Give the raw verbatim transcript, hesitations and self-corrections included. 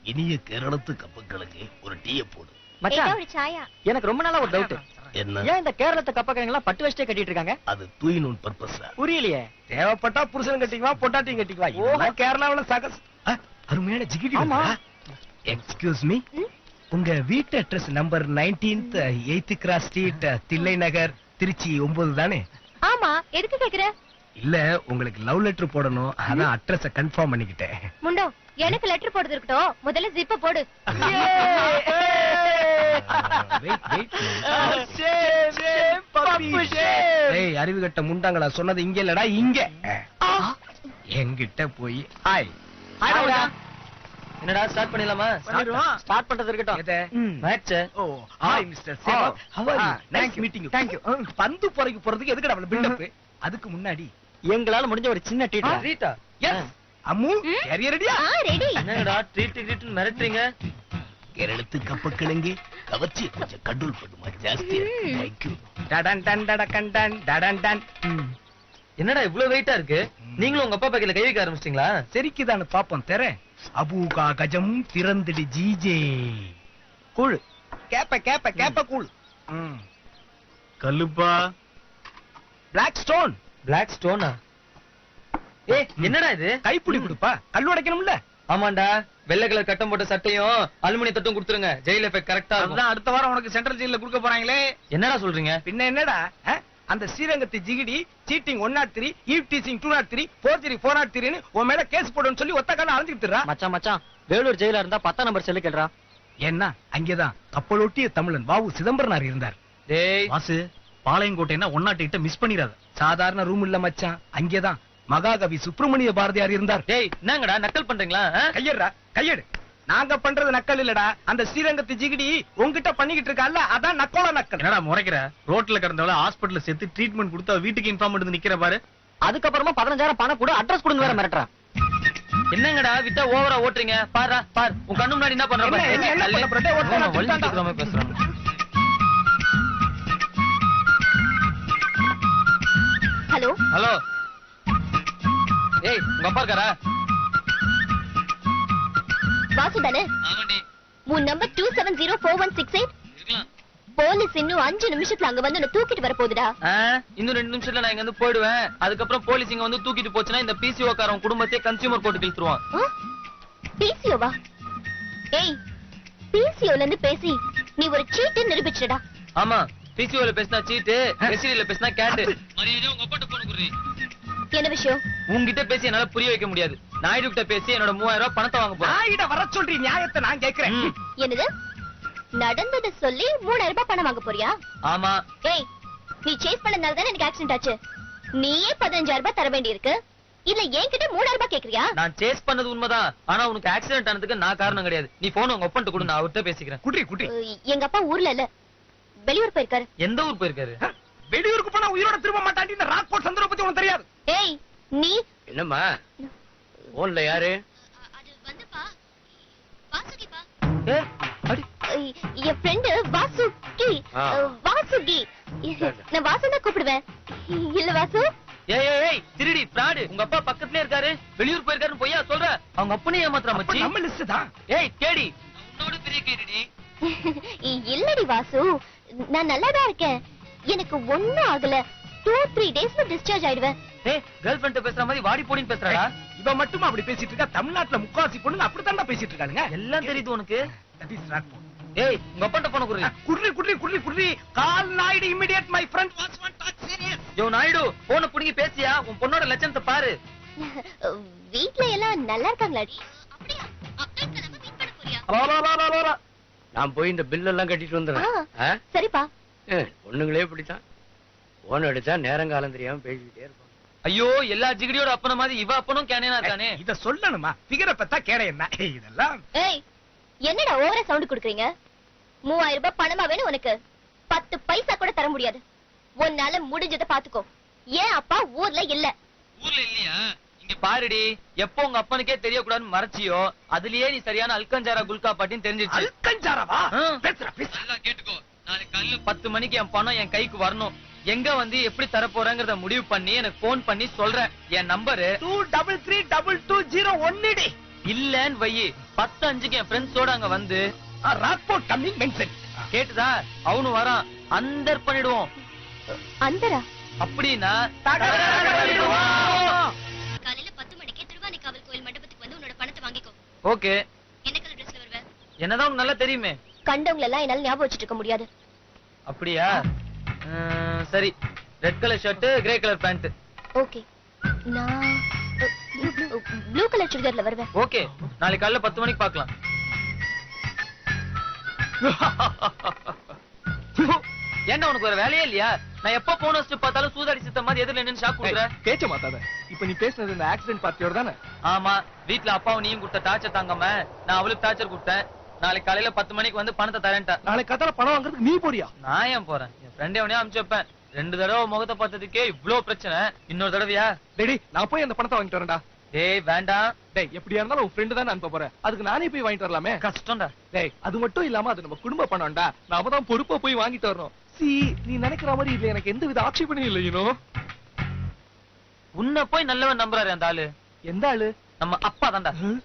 இனிய கேரளத்து கப்பக்கிழங்கு ஒரு டீய போடு. மச்சான் எனக்கு ரொம்ப நாளா ஒரு டவுட். என்ன? ஏன் இந்த கேரளத்து கப்பக்கிழங்கு எல்லாம் பட்டு வச்சிட்டே கட்டிட்டு இருக்காங்க? அது தூய் நூல் பர்பஸ். புரியலையே. தேவைப்பட்டா புருஷன் கட்டிக்குவா, பொட்டாட்டியும் கட்டிக்குவா. இதெல்லாம் கேரளாவுல சகஸ். அருமையான ஜிகிடி. ஆமா. எக்ஸ்கியூஸ் மீ, உங்க வீட்டு address number nineteenth eighth cross street, Thillai Nagar, Trichy ஒன்பது தானே? ஆமா, எதுக்கு கேக்குற? இல்ல, உங்களுக்கு லவ் லெட்டர் போடணும், அதான் அட்ரஸ கன்ஃபார்ம் பண்ணிக்கிட்டேன். முண்டோ, எனக்கு லெட்டர் போடுறது இருக்கட்டும், முதல்ல ஜிப்ப போடு. அறிவு கட்ட முண்டாங்களா, சொன்னது இங்க இல்லடா இங்க. என்கிட்ட போய் ஹாய். என்னடா ஸ்டார்ட் பண்ணிடலாமா? ஸ்டார்ட் பண்றது இருக்கட்டும். Match. Oh hi mister Seva, how are you? Nice meeting you. Thank you. பந்து போறதுக்கு போறதுக்கு எதுக்குடா அவ்வளவு பில்ட் அப்? அதுக்கு முன்னாடி எங்களால முடிஞ்ச ஒரு சின்ன treat. Rita, yes Ammu, carrier ரெடியா? ஆ ரெடி. என்னடா ட்ரீட் ட்ரீட்னு மிரட்டுறீங்க? கேரளத்து கப்பக்கிழங்கு கவர்ச்சி கொஞ்சம் கண்ட்ரோல் பண்ணுமா, ஜாஸ்தி. Thank you. டடன் டன் டட கண்டன் டடன் டன். என்னடா இவ்வளவு வெயிட்டா இருக்கு? நீங்களும் உங்க அப்பா பக்கத்துல கை வைக்க ஆரம்பிச்சிட்டீங்களா? சரிக்குதான்னு பாப்போம். தெர அபூகா கஜம் திறந்துடு ஜிஜே. கூழ் கேப்ப கேப்ப கேப்ப கூழ். கல்லுப்பா, பிளாக் ஸ்டோன். பிளாக் ஸ்டோனா? ஏய் என்னடா இது? கைப்புடி கொடுப்பா, கல் உடைக்கணும்ல. ஆமாண்டா, வெள்ளை கலர் கட்டம் போட்ட சட்டையும் அலுமினிய தட்டும் கொடுத்துருங்க. ஜெயில் எஃபெக்ட் கரெக்டா இருக்கும். அதான் அடுத்த வாரம் உனக்கு சென்ட்ரல் ஜெயில கொடுக்க போறாங்களே. என்னடா சொல்றீங்க? பின்ன என்னடா, அந்த ஸ்ரீரங்கத்து ஜிகிடி cheating one naught three, eve teasing two naught three, forgery four naught த்ரீன்னு உன் மேல கேஸ் போடுன்னு சொல்லி ஒத்த கால அலைஞ்சுக்கிட்டுறா. மச்சான் மச்சான், வேலூர் ஜெயிலா இருந்தா பத்தாம் நம்பர் செல்லு கேள்றா. ஏன்னா அங்கேதான் கப்பலோட்டிய தமிழன் வாவு சிதம்பரனார் இருந்தார். டேய் வாசு, பாளையங்கோட்டைன்னா ஒன்னாட்டு கிட்ட மிஸ் பண்ணிடாத. சாதாரண ரூம் இல்ல மச்சான், அங்கேதான் மகாகவி சுப்பிரமணிய பாரதியார் இருந்தார். டேய் என்னங்கடா நக்கல் பண்றீங்களா? கையெடுறா கையெடு. நாங்க பண்றது நக்கல் இல்லடா, அந்த ஸ்ரீரங்கத்து ஜிகிடி உங்ககிட்ட பண்ணிக்கிட்டு இருக்கா, அதான் நக்கோல நக்கல். என்னடா முறைக்கிற? ரோட்ல கிடந்தவள ஹாஸ்பிடல்ல சேர்த்து ட்ரீட்மெண்ட் கொடுத்தா வீட்டுக்கு இன்ஃபார்ம் பண்ணி நிக்கிற பாரு. அதுக்கப்புறமா பதினஞ்சாயிரம் பணம் கூட அட்ரஸ் கொடுங்க வேற மிரட்டுறா. என்னங்கடா விட்டா ஓவரா ஓட்டுறீங்க? பாரு பாரு, உன் கண்ணு முன்னாடி என்ன பண்ற பாரு. என்ன என்ன பண்ண போறே? ஓட்டுறா வலிச்சுக்கிற மாதிரி பேசுறான். ஹலோ ஹலோ, ஏய் உங்க அப்பா இருக்காரா? வாசு தானே? ஆமாண்டி. உன் number two seven zero four one six eight. இருக்கலாம். போலீஸ் இன்னும் அஞ்சு நிமிஷத்துல அங்க வந்து உன்னை தூக்கிட்டு வர போகுதுடா. இன்னும் ரெண்டு நிமிஷத்துல நான் இங்க வந்து போயிடுவேன். அதுக்கப்புறம் போலீஸ் இங்க வந்து தூக்கிட்டு போச்சுன்னா இந்த பிசிஓ காரன் குடும்பத்தையே கன்சியூமர் கோர்ட்டுக்கு இழுத்துருவான். பிசிஓவா? ஏய், பிசிஓல இருந்து பேசி நீ ஒரு சீட்டு நிரூபிச்சிடா. ஆமா, பிசிஓல பேசினா சீட்டு, எஸ்டில பேசினா கேட். மரியாதையா உங்க அப்பாட்ட போன் குடுறீ. என்ன விஷயம்? உன்கிட்ட பேசி என்னால புரிய வைக்க முடியாது. நாயுடு கிட்ட பேசி என்னோட மூவாயிரம் ரூபாய் பணத்தை வாங்க போறேன். நாயிட வர சொல்றீ, நியாயத்தை நான் கேக்குறேன். என்னது? நடந்தத சொல்லி மூணாயிரம் ரூபாய் பணம் வாங்க போறியா? ஆமா. ஏய், நீ சேஸ் பண்ணனால தானே எனக்கு ஆக்சிடென்ட் ஆச்சு. நீயே பதினஞ்சாயிரம் ரூபாய் தர வேண்டி இருக்கு, இல்ல என்கிட்ட மூணாயிரம் ரூபாய் கேக்குறியா? நான் சேஸ் பண்ணது உண்மைதான், ஆனா உனக்கு ஆக்சிடென்ட் ஆனதுக்கு நான் காரணம் கிடையாது. நீ போன் உங்க ஒப்பன்ட்டு கொடு, நான் அவர்கிட்ட பேசிக்கிறேன். குட்டி குட்டி, எங்க அப்பா ஊர்ல இல்ல, வெளியூர் போயிருக்காரு. எந்த ஊர் போயிருக்காரு? வெளியூருக்கு போனா உயிரோட திரும்ப மாட்டாண்டி. இந்த ராக்போர்ட் சந்திர பத்தி உனக்கு தெரியாது. ஏய் நீ என்னம்மா போன்ல யாரு? அது வந்துப்பா, வாசுகிப்பா. ஏ அடி, என் ஃப்ரெண்ட் வாசுகி. வாசுகி, நான் வாசுனா கூப்பிடுவேன். இல்ல வாசு? ஏய் ஏய் ஏய், திருடி பிராடு. உங்க அப்பா பக்கத்துலயே இருக்காரு, வெளியூர் போயிருக்காருன்னு பொய்யா சொல்ற? அவங்க அப்பனே ஏமாத்துறா மச்சி. நம்ம லிஸ்ட் தான். ஏய் கேடி, உன்னோட பெரிய கேடிடி. இல்லடி வாசு, நான் நல்லாதான் இருக்கேன். எனக்கு ஒண்ணும் ஆகல. டூ த்ரீ டேஸ்ல டிஸ்சார்ஜ் ஆயிடுவேன். ஏய், கேர்ள் ஃப்ரெண்ட் பேசுற மாதிரி வாடி போடின்னு பேசுறடா. இவ மட்டும் அப்படி பேசிட்டு இருக்கா. தமிழ்நாட்டுல முக்காவாசி பொண்ணுங்க அப்படித்தான் பேசிட்டு இருக்காங்க. எல்லாம் தெரியுது உனக்கு. That is Rockfort. ஏய், உங்க அப்பன்ட்ட போன குடுறீ. குர்ரி குர்ரி குர்ரி குர்ரி, call Naidu immediate my friend what's what talk serious. Yo Naidu, போன புடிங்கி பேசியா? உன் பொண்ணோட லட்சணத்தை பாரு. வீட்ல எல்லாம் நல்லா இருக்காங்களாடி? அப்படியே அப்டேட் நம்ம மீட் பண்ண போறியா? நான் போய் இந்த பில் எல்லாம் கட்டிட்டு வந்துறேன். சரிப்பா. பொண்ணுங்களே இப்படித்தான், போன் அடிச்சா நேரங்காலம் தெரியாம பேசிக்கிட்டே இருப்பாங்க. ஐயோ, எல்லா ஜிகிடியோட அப்பன மாதிரி இவ அப்பனும் கேனேனா இருக்கானே. இத சொல்லணுமா? ஃபிகரை பத்தா கேட என்ன இதெல்லாம்? ஏய், என்னடா ஓவரா சவுண்ட் குடுக்குறீங்க? மூவாயிரம் ரூபாய் பணமா வேணும் உனக்கு? பத்து பைசா கூட தர முடியாது. உன்னால முடிஞ்சதை பாத்துக்கோ. ஏன் அப்பா ஊர்ல இல்ல? ஊர்ல இல்லையா? இங்க பாருடி, எப்போ உங்க அப்பனுக்கே தெரியக்கூடாதுன்னு மறைச்சியோ, அதுலயே நீ சரியான அல்கஞ்சாரா குல்கா பாட்டின்னு தெரிஞ்சிருச்சு. அல்கஞ்சாராவா? பேசுற பேச. நல்லா கேட்டுக்கோ. நாளைக்கு காலையில பத்து மணிக்கு என் பணம் என் கைக்கு வரணும். எங்க வந்து எப்படி தர போறேங்கறத முடிவு பண்ணி எனக்கு போன் பண்ணி சொல்றேன். என் number two double three double two zero one டி. இல்லன்னு வையி பத்து அஞ்சுக்கு என் ஃப்ரெண்ட்ஸோட அங்க வந்து ராக்போர்ட் கம்மிங் மென்ஷன். கேட்டுதா அவனு வரான் அந்தர் பண்ணிடுவோம். அந்தரா? அப்படின்னா காலையில பத்து மணிக்கு திருவானைக்காவல் கோயில் மண்டபத்துக்கு வந்து உன்னோட பணத்தை வாங்கிக்கோ. ஓகே. என்ன கலர் ட்ரெஸ்ல வருவ? என்னதான் உனக்கு நல்லா தெரியுமே. கண்டவங்கள எல்லாம் என்னால ஞாபகம் வச்சிட்டு இருக்க முடியாது. அப்படியா? ம், சரி. Red colour shirt, grey colour pant. Okay. நான் ப்ளூ கலர் சுடிதார்ல வருவேன். ஓகே. நாளைக்கு காலையில பத்து மணிக்கு பார்க்கலாம். ஏன்டா உனக்கு ஒரு வேலையே இல்லையா? நான் எப்ப போன் வச்சு பார்த்தாலும் சூதாடி சித்த மாதிரி எதிரில நின்னு ஷாக் கொடுக்குற. பேச்ச மாத்தாத. இப்ப நீ பேசுனது இந்த ஆக்சிடென்ட் பார்ட்டியோட தானே? ஆமா. வீட்ல அப்பாவும் நீயும் கொடுத்த டார்ச்சர் தாங்காம நான் அவளுக்கு டார்ச்சர் கொடுத்தேன். நாளைக்கு காலையில பத்து மணிக்கு வந்து பணத்தை தரேன்டா. நாளைக்கு கத்தால பணம் வாங்குறதுக்கு நீ போறியா? நான் ஏன் போறேன்? என் ஃப்ரெண்ட் எவனையும் அனுப்பிச்சு வைப்பேன். ரெண்டு தடவை முகத்தை பார்த்ததுக்கே இவ்ளோ பிரச்சனை. இன்னொரு தடவையா? டேடி நான் போய் அந்த பணத்தை வாங்கிட்டு வரேன்டா. டேய் வேண்டாம். டேய் எப்படியா இருந்தாலும் உன் ஃப்ரெண்ட் தானே அனுப்ப போறேன். அதுக்கு நானே போய் வாங்கிட்டு வரலாமே. கஷ்டம்டா. டேய் அது மட்டும் இல்லாம அது நம்ம குடும்ப பணம்டா. நாம தான் பொறுப்பா போய் வாங்கிட்டு வரணும். சி நீ நினைக்கிற மாதிரி இல்ல, எனக்கு எந்த வித ஆட்சேபனையும் இல்லை. யூனோ உன்னை போய் நல்லவன் நம்புறாரு அந்த ஆளு. எந்த ஆளு? நம்ம அப்பா தான்டா.